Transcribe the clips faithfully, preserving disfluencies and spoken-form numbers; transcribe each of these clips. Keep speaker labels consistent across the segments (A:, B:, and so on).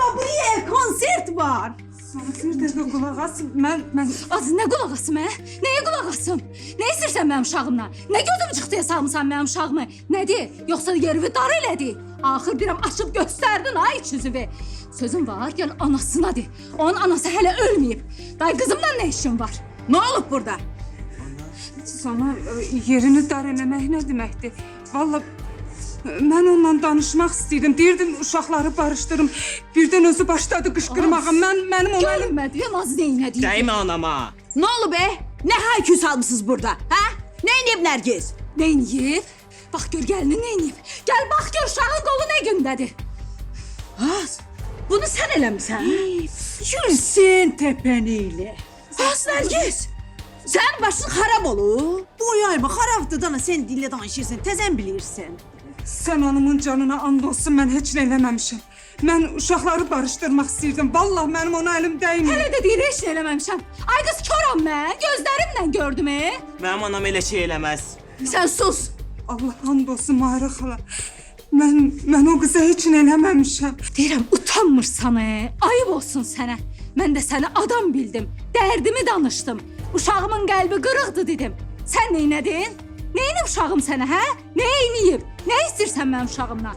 A: Gabriel, konsert var.
B: Bir dəqiqə qulaq as. Mən mən
C: Az nə qulaq asım, hə? Nəyə qulaq asım? Nə istəyirsən mənim uşağımla? Nə gözüm çıxdıya salmısan mənim uşağımı? Nədir? Yoxsa yerivi dar elədi? Axır birəm açıb göstərdin ay içüzüvü. Sözüm var, gəl anasına de. Onun anası hələ ölməyib. Day qızımla nə işin var?
A: Ne olub burada?
B: sana e, yerini dar eləmək nə deməkdir? Vallahi mən onunla danışmaq istəyirdim. Deyirdim uşaqları barışdırım. Birdən özü başladı qışqırmağa. Mən mənim ona əlim
C: Görünmədi, yamaz neynədi?
D: Değme anama.
A: Ne olub be? Ne haykü salmışsınız burada? Ha? Ne inip Nergiz?
C: Neyniyib? Bax gör gəlini neyniyib? Gəl bax gör uşağın qolu nə gündədir?
A: Az. Bunu sen eləmişsən. Yürüsün tepeniyle. Az Nergiz. Sen başın harap olur. Bu yayma haraptı dana sen dille danışırsın. Tezen bilirsin.
B: Sən anamın canına and olsun, mən heç nə eləməmişəm. Mən uşaqları barışdırmaq istəyirdim. Vallahi mənim ona əlim dəymir.
C: Hələ də deyir heç nə eləməmişəm. Ay qız koram mən, gözlərimlə gördüm e.
D: Benim anam öyle şey eləməz.
A: Sen sus.
B: Allah and olsun Mahirə xala. Mən mən o qıza heç nə eləməmişəm.
C: Deyirəm utanmırsan e. Ayıb olsun sənə. Mən də səni adam bildim. Dərdimi danışdım. Uşağımın qəlbi qırıqdı dedim. Sən neynədin? Neyinib uşağım sənə, hə? Nə eyniyib? Nə istəyirsən mənim uşağımdan?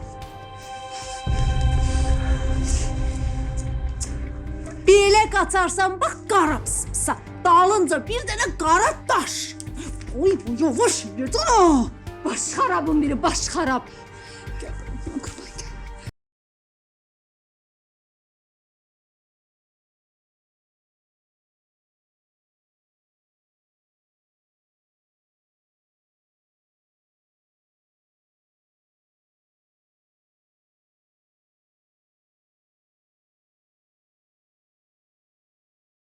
A: Belə qaçarsan bax qara pıspısa. Dalınca bir dənə qara daş. Oy bu yavaş yürüdün o.
C: Baş xarabın biri, baş xarab.